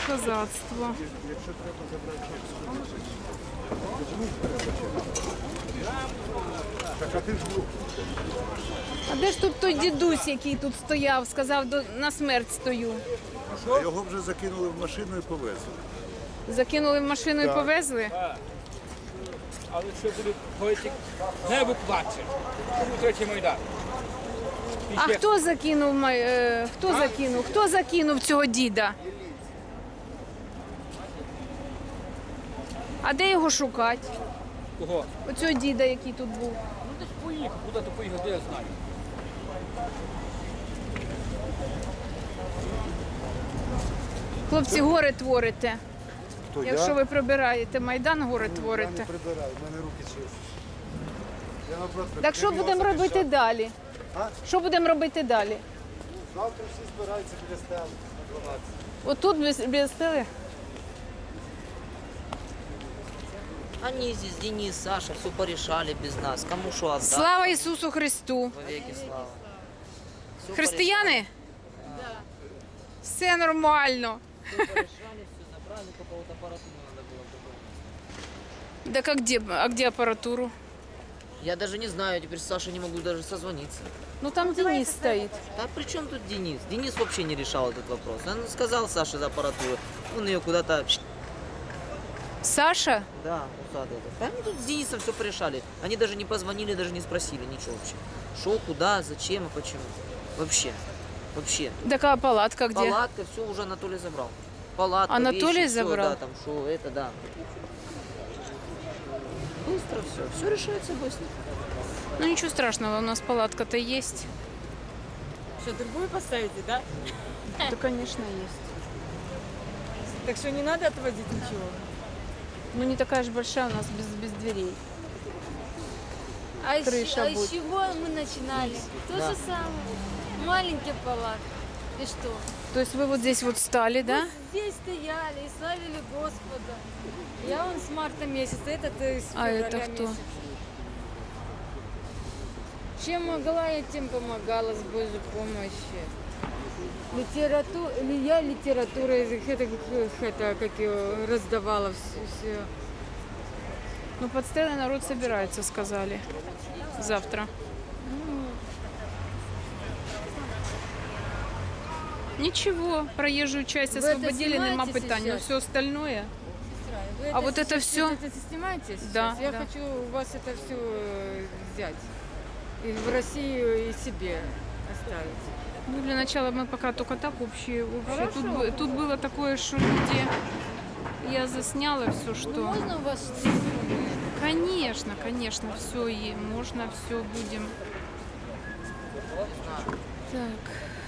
козацтво. А де ж тут той дідусь, який тут стояв, сказав, на смерть стою? Його вже закинули в машину і повезли. Закинули в машину і повезли? Але що буде політик, небо плаче. Це був третій Майдан. А хто закинув, Хто закинув цього діда? А де його шукати? Кого? Оцього діда, який тут був. Ну десь поїхав, куди-то поїхав, де я знаю. Хлопці, гори творите. Хто, Якщо ви прибираєте Майдан, гори Я творите. не прибираю, в мене руки чисті. Я наоборот Так що будемо робити далі? А? Що будемо робити далі? Завтра всі збираються біля стели на 12. Отут біля стели? Они здесь, Денис, Саша, все порешали без нас. Кому что отдать? Слава Ісусу Христу! Во веки слава. Всё Християни? Да. Все нормально. порешали, все порешали, все забрали, только вот аппаратуру надо было добавить. Так а где аппаратуру? Я даже не знаю, теперь с Сашей не могу даже созвониться. Ну там Денис стоит. А при чем тут Денис? Денис вообще не решал этот вопрос. Он сказал Саше за аппаратуру, он ее куда-то... Саша? Да, усадил. Они тут с Денисом все порешали. Они даже не позвонили, даже не спросили ничего вообще. Шо, куда, зачем и почему. Вообще. Вообще. Такая палатка где? Палатка, все уже Анатолий забрал. Палатка, Анатолий вещи, забрал? Всё, да, там шо, это да. Быстро все решается быстро. Ну ничего страшного, у нас палатка-то есть. Что, другую поставите, да? Да, конечно, есть. Так что не надо отводить ничего. Ну не такая же большая у нас без дверей. Крыша из будет. чего мы начинали? То же самое. Маленький палат. И что? То есть вы вот здесь вот стали, да? Здесь стояли и славили Господа. Я вон с марта месяца, этот с А февраля это кто? месяца. Чем могла, я тем помогала с Божьей помощью. Я литературу это как ее раздавала все. Ну под стелой народ собирается, сказали. Завтра. Ничего, проезжую часть Вы освободили, это нема снимаете питань. Но сейчас? все остальное. Вы А вот это сейчас всё? Это снимаете сейчас? Да, Я да. хочу у вас это все взять. И в Россию и себе оставить. Ну, для начала мы пока только так общие. Тут было такое, что люди... Я засняла все, что... Можно у вас Конечно, конечно, все и можно, все будем. Так.